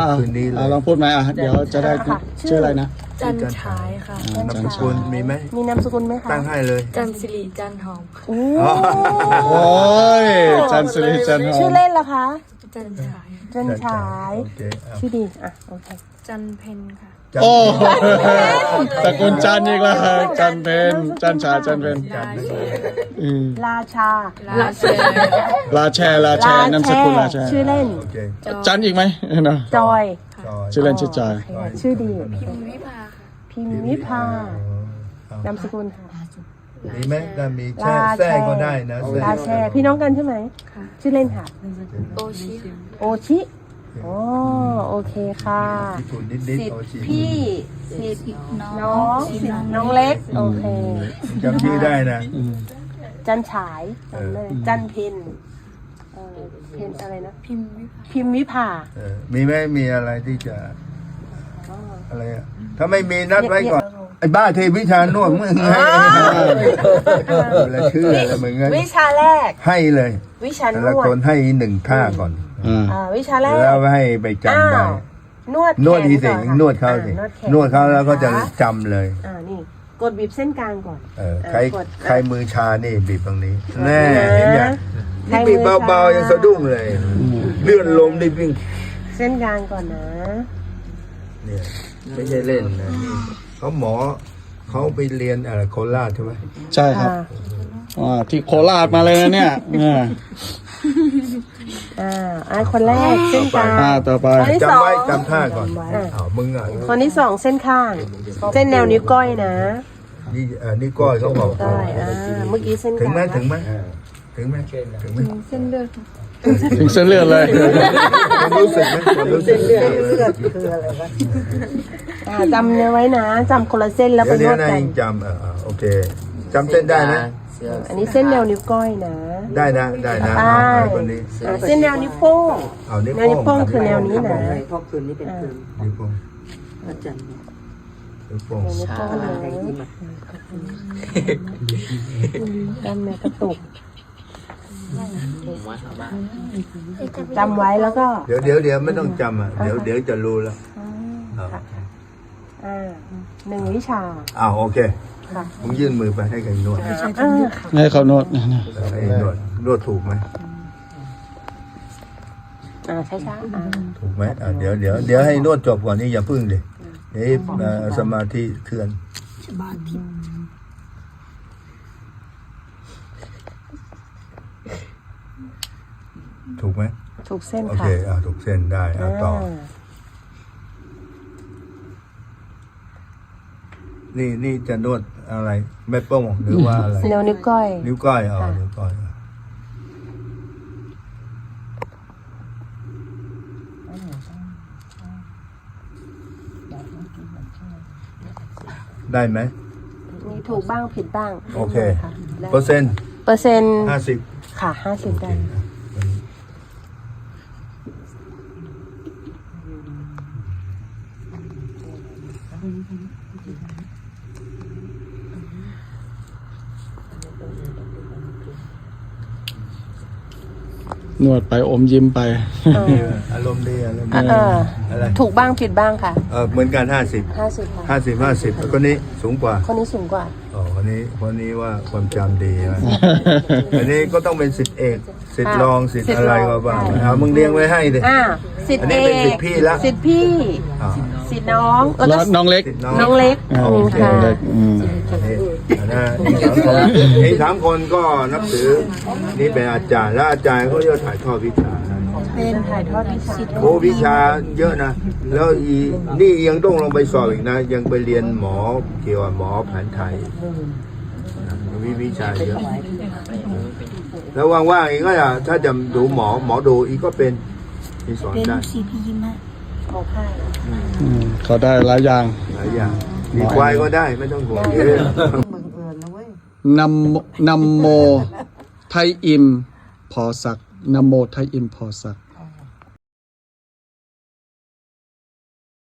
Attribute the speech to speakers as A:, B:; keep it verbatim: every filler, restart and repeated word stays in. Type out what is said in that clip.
A: คืนนี้เลย
B: ลองพูดไหมอ่ะเดี๋ยวจะได้ชื่ออะไรนะ
C: จันฉายค่ะ
A: นามสกุลมีไหม
D: มีนามสกุลไหมคะ
A: ตั้งให้เลย
C: จันสิริจันหอม
D: โอ้
B: โอ้ยจันสิริจันหอ
D: ชื่อ
B: ม
D: เล่นล่ะคะ
C: จันฉาย
D: จันฉาย
A: โอเคเอา
D: ชื่อดีอ่ะโอเค
C: จันเพนค่ะ
A: จัน
B: โอ้ตระกูลจันอีกแล้วจันเพนจันฉายจันเพน
A: จันไม่ใช่
B: อืม
D: ราชา
C: ลาเช
B: ลาแชร์ลาแชร์นามสกุลลาแชร์
D: ชื่อเล่น
A: โอเค
B: จันอีกไหมเนาะ
D: จอย
A: จอย
B: ชื่อเล่นชื่อจอย
D: โเคชื่อดี
C: พิมวิภาค่ะ
D: พิมวิภา
A: เอา
D: นามสกุลค่ะ
A: มีไหมถ้ามีแช่แท้ก็ได้นะแช่
D: ลาแชร์พี่น้องกันใช่ไหม
C: ค่ะ
D: ชื่อเล่นค่ะ
C: โอชิค่ะ
D: โอชิอ๋อโอเคค่ะ
A: ญี่ปุ่นนิดๆโอชิ
D: พี่สิทธิ์น้องสิทธิ์น้องเล็กโอเค
A: จำชื่อได้นะ
B: อืม
D: จันฉายจำเลยจันเพนเออเพนอะไรนะ
C: พิมวิภา
D: พิมวิภา
A: เออมีไหมมีอะไรที่จะอะไรอ่ะถ้าไม่มีนัดไว้ก่อนไอ้บ้าเทวิชานวดมึงให้อะไรชื่ออะไรมึงงั้น
D: วิชาแรก
A: ให้เลย
D: วิชา
A: แต่
D: น
A: ละ
D: ว
A: ค
D: ด
A: นให้หนึ่งท่าก่อน
B: อ่า
D: อ่าวิชาแรก
A: แล้วให้ไปจำได้
D: อ้าวนวด
A: นวด
D: แข
A: ดีสิ
D: ก่อค่ะ
A: นวดเขาสิ
D: อ่แข
A: นวดเขาแล้วก็จะ
D: นค
A: จำเลย
D: อ่านี่กดบีบเส้นกลางก่อน
A: เออ
D: อ่า
A: ใคร
D: กด
A: ใครมือชานี่บีบตรงนี้แน่เห็นยัง
D: ใคร
A: นี่
D: มื
A: บี
D: อบ
A: เบาๆยังสะดุ้งเลย เลื่อนลมได้วิ่ง
D: เส้นกลางก่อนนะ
A: เนี่ยไม่ใช่เล่นนะนี่เขาหมอเขาไปเรียนอะไรโคราชใช่ไหม
B: ใช่ครับอ่าที่โคราชมาเลยนะเนี่ยอ่า
D: อ่าอ่าคนแรกเส้นกลาง
B: อ่าต่อไป
D: คนที่ส
A: จำ
D: อง
A: ไว้จำท่าก่อน
D: อ่า
A: อ้าวมึงอ่ะ
D: คนที่สองเส้นข้าง เส้นแนวนิ้วก้อยนะ
A: นี่เออนี่ก้อยเขาบอก
D: ก้อยอ่าเมื่อกี้เส้นก
A: ถึง
D: ลาง
A: ไหมถึงไหมถึงไหมถึงไหม
C: เส้นเลือด
B: ถึงเส้นเลือดเลย
A: ความรู้สึกไหมความรู้สึก
D: อ่าจำเนื้อไว้นะจำคนละเส้นแล้วไป
A: เดี๋ยวน เดี๋ยว
D: วด
A: นะ
D: กัน
A: ยังจำเออเออโอเคจำเส้นได้นะ
D: อันนี้เส้นแนวนิ้วก้อยนะ
A: ได้นะได้นะ
D: ไป
A: เอาไปคนนี้
D: อ่าเส้นแนวนิ้วโป้ง
A: เอานิ้ว
D: แนวนิ้วโป้
A: โป้
D: ง
A: ง
D: คือแนวนี้นะ
E: เพราะคืนนี้เป็นคืน
A: นิ้วโป้ง
E: พระจันทร์
A: นิ้วโป้ง
D: แนวนิ้วโป้ง
E: อะไร
D: นะ
E: ที่มา
D: กล้ามเนื้อกระตุกจำไว้แล้วก็
A: เดี๋ยวเดี๋ยวเดี๋ยวไม่ต้องจำอ่ะเดี๋ยวเดี๋ยวจะรู้แล้วเอา
D: อ่าหนึ่งวิชา
A: อ้าวโอเค
D: ค่ะ
A: มึงยื่นมือไปให้ใครนวด
D: อ่าค่ะ
B: ให้เขาโน้ตนะนะ
A: ให้นวดนวดถูกไหม
D: อ่าช้าๆอ่า
A: ถูกไหมอ่ะเดี๋ยวเดี๋ยวเดี๋ยวให้นวดจบก่อนนี่อย่าพึ่งดิเดี๋ยวเอ่อสมาธิเคลื่อนถูกไหม
D: ถูกเส้น
A: โอ
D: ค่ะ
A: เคอ่ะถูกเส้นได้อ่ะต่อ
D: า
A: นี่นี่จะนวดอะไรแม่โป้งหรือว่าอะไร
D: แนวนิ้วก้อย
A: นิ้วก้อยอ๋อนิ้วก้อยได้ไหม
D: มีถูกบ้างผิดบ้าง
A: โอเค
D: ค่ะ
A: เปอร์เซ็นต์
D: เปอร์เซ็นต์
A: ห้าสิบ
D: ค่ะห้าสิบได้
B: นวดไปอมยิ้มไป
A: อารมณ์ดีอารมณ์
D: อ่ะ
A: ดี
D: เออ
A: อะไร
D: ถูกบ้างผิดบ้างค่ะ
A: เออเหมือนกันห้าสิบ
D: ห้าสิบค่ะ
A: ห้าสิบห้าสิบคนนี้สูงกว่า
D: คนนี้สูงกว่า
A: อ๋อคนนี้คนนี้ว่าความจำดีนะ อันนี้ก็ต้องเป็นสิทธิเอกสิทธิรองสิทธิอะไรก็บ้างเอามึงเลี้ยงไว้ให้ดิ
D: อ่าสิทธิ์
A: อัน
D: เอ
A: นี้เป็น
D: ก
A: สิทธิ์พี่ละ
D: สิทธิ์พี่
A: อ่า
D: สิทธิ์น้องแล้ว
B: แล้
D: ก็
B: วน้องเล็ก
A: สิทธิน้อง
D: น้องเล็ก
B: อ่า
D: อืม
B: โอเค
D: ค่ะ
B: เล็กอืม
A: อันนี้นี่สามคนนี่สามคนก็นับถือนี่เป็นอาจารย์แล้วอาจารย์เขาจะถ่ายทอดวิชา
D: เป็นถ่ายทอดวิชา
A: โอ้วิชาเยอะนะแล้วอีนี่ยังต้องลงไปสอบอีกนะ ยังไปเรียนหมอเกี่ยวกับหมอแผนไทยนะมีวิชาเยอะแล้วว่างๆอีกก็จะถ้าจะดูหมอหมอดูอีกก็เป็นที่สอนได้
D: ของค่าย
B: อืมเขาได้หลายอย่าง
A: หลายอย่างมีควายก็ได้ไม่ต้องห่วงเยอะ
E: บังเอิญนะเว้ย
B: นำนำโมไทยอิมพอสักนำโมไทยอิมพอสัก